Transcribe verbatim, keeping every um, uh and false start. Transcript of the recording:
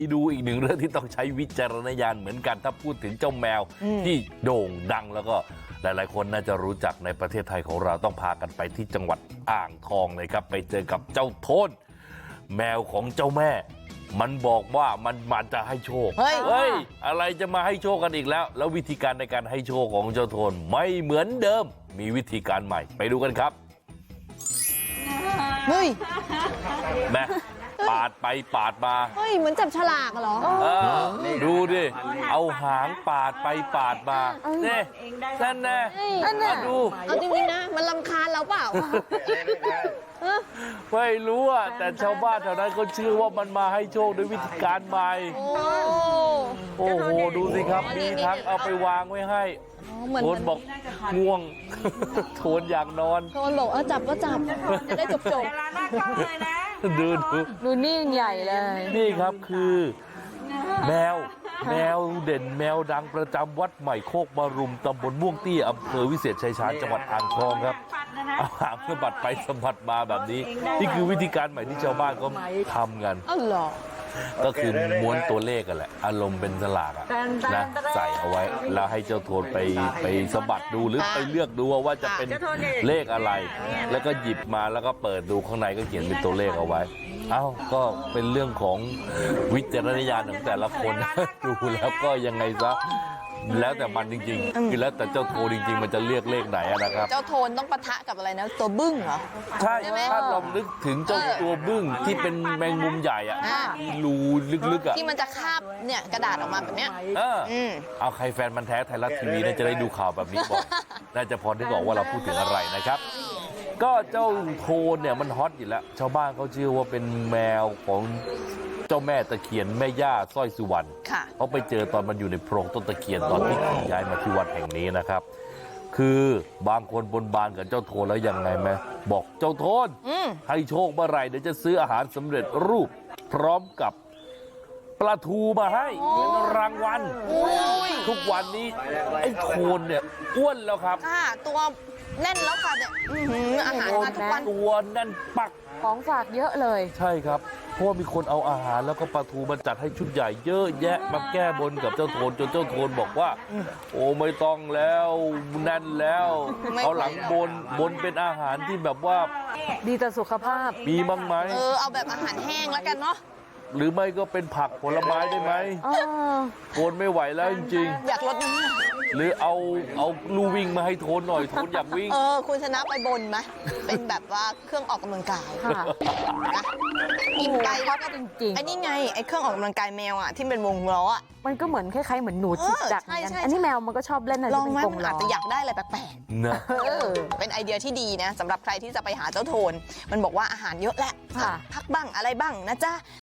ดูอีกหนึ่งเรื่องที่ต้องใช้วิจารณญาณเหมือนกันถ้าพูดถึงเจ้าแมวที่โด่งดังแล้วก็หลายๆคนน่าจะรู้จักในประเทศไทยของเราต้องพากันไปที่จังหวัดอ่างทองเลยครับไปเจอกับเจ้าโทนแมวของเจ้าแม่มันบอกว่ามันมันจะให้โชคเฮ้ยเฮ้ยอะไรจะมาให้โชคกันอีกแล้วแล้ววิธีการในการให้โชคของเจ้าโทนไม่เหมือนเดิมมีวิธีการใหม่ไปดูกันครับเฮ้ยแม่ปาดไปปาดมาเฮ้ยเหมือนจับฉลากเหรอเออดูดิเอาหางปาดไปปาดมาเนี่ยนั่นแน่มาดูเอาจริงๆนะมันรำคาญเราเปล่าไม่รู้อ่ะแต่ชาวบ้านแถวนั้นเขาเชื่อว่ามันมาให้โชคด้วยวิธีการใหม่โอ้โหดูสิครับมีทั้งเอาไปวางไว้ให้โทนบอกง่วงโทนอยากนอนโทนบอกเอาจับก็จับจะได้จบจบดูดูดูนิ่งใหญ่เลยนี่ครับคือแมวแมวเด่นแมวดังประจำวัดใหม่โคกบรุมตำบลม่วงเตี้ยอำเภอวิเศษชัยชาญจังหวัดอ่างทองครับเอาหางสะบัดไปสะบัดมาแบบนี้นี่คือวิธีการใหม่ที่ชาวบ้านก็ทำกันอ้าวเหรอก็คือม้วนตัวเลขกันแหละอารมณ์เป็นสลากนะใส่เอาไว้แล้วให้เจ้าโทนไปไปสะบัดดูหรือไปเลือกดูว่าจะเป็นเลขอะไรแล้วก็หยิบมาแล้วก็เปิดดูข้างในก็เขียนเป็นตัวเลขเอาไว้เอ้าก็เป็นเรื่องของวิจารณญาณของแต่ละคนดูแล้วก็ยังไงซะแล้วแต่มันจริงๆคือแล้วแต่เจ้าโทนจริงๆมันจะเลือกเลขไหนนะครับเจ้าโทนต้องปะทะกับอะไรนะตัวบึ้งเหรอใช่ถ้าลองนึกถึงเจ้าตัวบึ้งที่เป็นแมงมุมใหญ่อะรูลึกๆอะที่มันจะคาบเนี่ยกระดาษออกมาแบบเนี้ยเออเอาใครแฟนมันแท้ไทยรัฐทีวีน่าจะได้ดูข่าวแบบนี้ก่อนน่าจะพอได้บอกว่าเราพูดถึงอะไรนะครับก็เจ้าโทนเนี่ยมันฮอตอยู่แล้วชาวบ้านเขาเชื่อว่าเป็นแมวของเจ้าแม่ตะเคียนแม่ย่าสร้อยสุวรรณเขาไปเจอตอนมันอยู่ในโพรงต้นตะเคียนตอนที่ย้ายมาที่วัดแห่งนี้นะครับคือบางคนบนบานกับเจ้าโทนแล้วยังไงไหมบอกเจ้าโทนให้โชคเมื่อไหร่เดี๋ยวจะซื้ออาหารสำเร็จรูปพร้อมกับปลาทูมาให้เป็นรางวัลทุกวันนี้ไอ้โทนเนี่ยอ้วนแล้วครับตัวแน่นแล้วค่ะเนี่ยอาหารมาทุกวันตัวแน่นปักของฝากเยอะเลยใช่ครับเพราะว่ามีคนเอาอาหารแล้วก็ปลาทูมาจัดให้ชุดใหญ่เยอะแยะมาแก้บนกับเจ้าโทนจนเจ้าโทนบอกว่าโอ้ไม่ต้องแล้วแน่นแล้วเอาหลังบนบนเป็นอาหารที่แบบว่าดีต่อสุขภาพมีบ้างไหมเออเอาแบบอาหารแห้งแล้วกันเนาะหรือไม่ก็เป็นผักผลไม้ได้ไหมโทนไม่ไหวแล้วจริงๆอยากลดน้ำหนักหรือเอาเอาลู่วิ่งมาให้โทนหน่อยโทนอยากวิ่งเออคุณชนะไปบนไหมเป็นแบบว่าเครื่องออกกำลังกายนะกินไปแล้วก็จริงๆไอ้นี่ไงไอ้เครื่องออกกำลังกายแมวอ่ะที่เป็นวงล้ออ่ะมันก็เหมือนคล้ายๆเหมือนหนูจิกจักเหมือนกันอันนี้แมวมันก็ชอบเล่นอะไรลองไหมมันอาจจะอยากได้อะไรแปลกๆนะเป็นไอเดียที่ดีนะสำหรับใครที่จะไปหาเจ้าโทนมันบอกว่าอาหารเยอะแหละพักบ้างอะไรบ้างนะจ๊ะ